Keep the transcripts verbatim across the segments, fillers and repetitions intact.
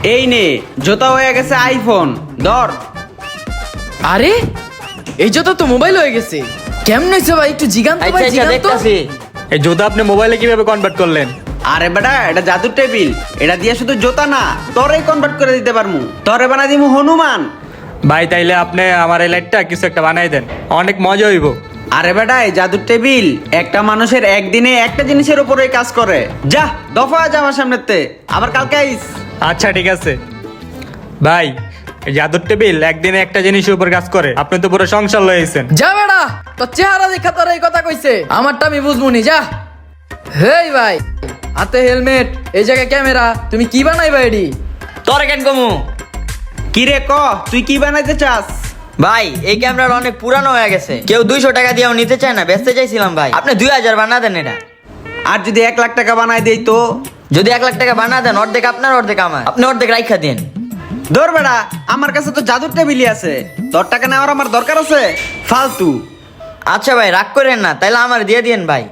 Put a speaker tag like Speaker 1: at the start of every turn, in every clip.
Speaker 1: এই নে জোতা হয়ে গেছে আইফোন ধর।
Speaker 2: আরে এই জোতা তো মোবাইল হয়ে গেছে, কেমন হয়েছে ভাই একটু জিগান তো
Speaker 3: আচ্ছা
Speaker 2: ভাই,
Speaker 3: আচ্ছা
Speaker 2: জিগান তো।
Speaker 3: দেখতাছি।
Speaker 4: এই জুতা আপনি মোবাইলে কিভাবে কনভার্ট করলেন?
Speaker 1: আরে বেটা এটা জাদুর টেবিল, এটা দিয়ে শুধু জোতা না তোরেই কনভার্ট করে দিতে পারমু, তরে বানাই দিমু হনুমান।
Speaker 4: ভাই তাইলে আপনি আমার এই লাইটটা কিছু একটা বানাই দেন, অনেক মজা হইব।
Speaker 1: আরে বেটা এই জাদুর টেবিল একটা মানুষের একদিনে একটা জিনিসের উপরেই কাজ করে। যা দফা যা আমার সামনেতে, আবার কালকে আইস।
Speaker 4: আচ্ছা ঠিক আছে ভাই, এই জাদুর টেবিল একদিনে একটা জিনিসের উপর কাজ করে, আপনি তো পুরো সংসার লয়েছেন।
Speaker 2: যা বেড়া তোর চেহারা দেখা তোর এই কথা কইছে, আমারটা আমি বুঝবুনি যা। হেই ভাই হাতে হেলমেট, এই জায়গায় ক্যামেরা, তুমি কি বানাইবা এডি?
Speaker 3: তোরে কেন কমু?
Speaker 1: কি রে ক তুই কি বানাইতে চাস?
Speaker 3: ভাই এই ক্যামেরাটা অনেক পুরানো হয়ে গেছে, কেউ দুইশো টাকা দিয়েও নিতে চায় না, বেচতে চাইছিলাম ভাই, আপনি দুই হাজার বানা দেন এটা।
Speaker 1: আর যদি এক লাখ টাকা বানাই দেই তো?
Speaker 3: যদি এক লাখ টাকা বানা দেন অর্ধেক আপনার অর্ধেক আমার, আপনি অর্ধেক রাইখা দিন।
Speaker 1: ধর বেটা আমার কাছে তো জাদুর টেবিলই আছে, তোর টাকা নেওয়ার আমার দরকার আছে ফালতু।
Speaker 3: আচ্ছা ভাই রাগ করেন না, তাইলে আমার দিয়ে দিন ভাই।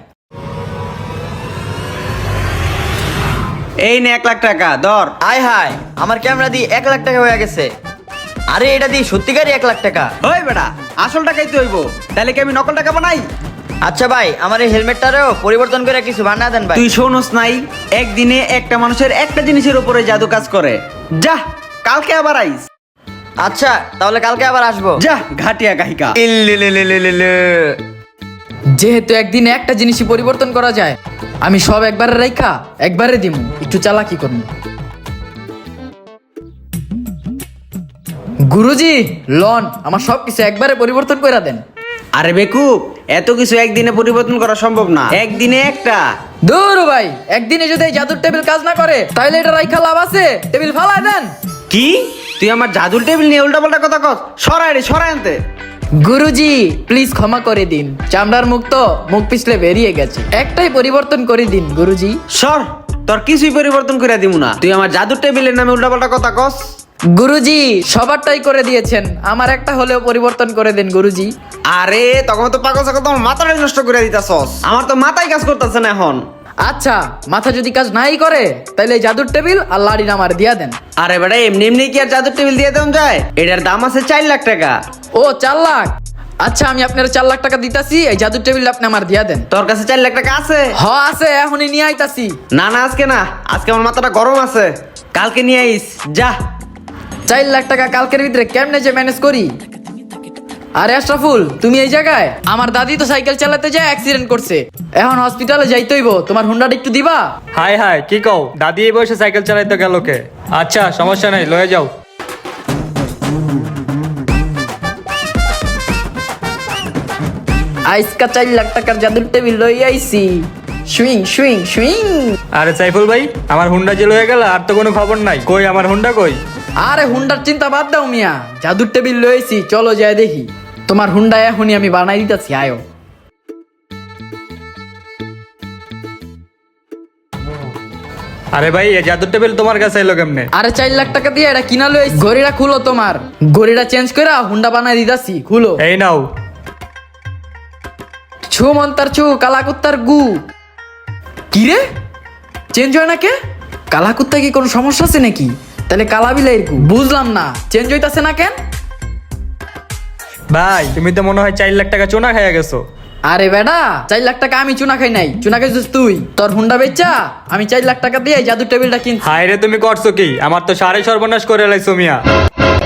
Speaker 1: এই নে এক লাখ টাকা ধর।
Speaker 3: আয় হায় আমার ক্যামেরা দিয়ে এক লাখ টাকা হয়ে গেছে। আরে এটা দিয়ে সত্যিকারই এক লাখ টাকা।
Speaker 1: ওই বেটা আসল টাকাই তো হইব, তাহলে কি আমি নকল টাকা বানাই?
Speaker 3: আচ্ছা ভাই আমার এই হেলমেটটারেও পরিবর্তন করে কিছু বানা দেন ভাই।
Speaker 1: তুই শোনস নাই একদিনে একটা মানুষের একটা জিনিসের উপরে জাদু কাজ করে। যা কালকে আবার আইস।
Speaker 3: আচ্ছা তাহলে কালকে আবার আসবো।
Speaker 1: যা ঘাটিয়া গাহিকা।
Speaker 3: ইল্লিলিলিলিলিলি।
Speaker 2: যেহেতু একদিনে একটা জিনিসই পরিবর্তন করা যায়, আমি সব একবারে রাইখা একবারে দিমু, একটু চালাকি করবো। গুরুজি লন আমার সব কিছু একবারে পরিবর্তন করে দেন।
Speaker 1: আরে বেকুব এত কিছু একদিনে পরিবর্তন করা সম্ভব না, একদিনে একটা।
Speaker 2: দূর ভাই, একদিনে যদি এই জাদুর টেবিল কাজ না করে তাহলে এটা রাইখা লাভ আছে? টেবিল ফালাই দেন।
Speaker 1: কি তুই আমার জাদুর টেবিল নিয়ে উল্টা পাল্টা কথা কস? সরাই রে সরাই আনতে।
Speaker 2: গুরুজি প্লিজ ক্ষমা করে দিন, চামড়ার মুখ তো মুখ পিছলে বেরিয়ে গেছে, একটাই পরিবর্তন করে দিন গুরুজি।
Speaker 1: সর তোর কিছুই পরিবর্তন করে দিমু না, তুই আমার জাদুর টেবিলের নামে উল্টা পাল্টা কথা কস।
Speaker 2: গুরুজি সবারটাই করে দিয়েছেন, আমার একটা হলেও পরিবর্তন করে দিন গুরুজি।
Speaker 1: আরে তখন তো পাগল ছাগল তোমার মাথাটাই নষ্ট করে দিতাছস, আমার তো মাথায় কাজ করতেছে না এখন।
Speaker 2: আচ্ছা মাথা যদি কাজ নাই করে তাহলে এই জাদুর টেবিল আর লাড়ি আমার দিয়া দেন।
Speaker 1: আরে বেটা এমনি এমনি কি আর জাদুর টেবিল দিয়ে দেওয়া যায়? এটার দাম আছে চার লাখ টাকা।
Speaker 2: ও চার লাখ? আচ্ছা আমি আপনার চার লাখ টাকা দিতাছি, এই জাদুর টেবিল আপনি আমার দিয়া দেন।
Speaker 1: তোর কাছে চার লাখ টাকা আছে?
Speaker 2: হ আছে, এখনই নিয়ে আইতাছি।
Speaker 1: না না আজকে না, আজকে আমার মাথাটা গরম আছে, কালকে নিয়ে আইস। যা
Speaker 2: চার লাখ টাকা কালকের ভিতরে কেমনে যে ম্যানেজ করি। আরে আশরাফুল তুমি এই জায়গায়? আমার দাদি তো সাইকেল চালাতে যায় অ্যাক্সিডেন্ট করছে, এখন হসপিটালে যাইতে হইব, তোমার হুন্ডাটা একটু দিবা?
Speaker 4: হাই হাই কি কও, দাদি এই বয়সে সাইকেল চালাইতে গেল কে? আচ্ছা সমস্যা নাই, লয়ে যাও।
Speaker 2: আইসকা চার লাখ টাকার জাদুর টেবিল লই আইছি। Swing swing swing.
Speaker 4: আরে সাইফুল ভাই, আমার হুন্ডা যে লয়ে গেল আর তো কোনো খবর নাই, কই আমার হুন্ডা কই?
Speaker 2: আরে হুন্ডার চিন্তা বাদ দাও মিয়া, জাদুর টেবিল লইছি, চলো যায় দেখি। তোমার হুন্ডা এখনই আমি বানাই দিতেছি, আয়ো।
Speaker 4: আরে ভাই এই জাদুর টেবিল তোমার কাছে এলো কেমনে?
Speaker 2: আরে চার লাখ টাকা দিয়ে এটা কিনা লইছি, গড়িটা খুলো, তোমার গড়িটা চেঞ্জ করে হুন্ডা বানাই দিতাছি, খুলো।
Speaker 4: এই নাও।
Speaker 2: ছু মন্তার ছু কালাকুত্তার গু। কি রে চেঞ্জ হয় না কে? কালাকুত্তা কি কোনো সমস্যা আছে নাকি? তাহলে কালা বিলাইয়ের গু, বুঝলাম না চেঞ্জ হইতাছে না কেন?
Speaker 4: ভাই তুমি তো মনে হয় চার লাখ টাকা চুনা খাইয়া গেছো।
Speaker 2: আরে বেটা চার লাখ টাকা আমি চুনা খাই নাই, চুনা খাইছিস তুই। তোর হুন্ডা বেচা আমি চার লাখ টাকা দিয়ে জাদুর টেবিলটা কিনছি।
Speaker 4: হায় রে তুমি করছো কি, আমার তো সাড়ে সর্বনাশ করে লাইছো মিয়া।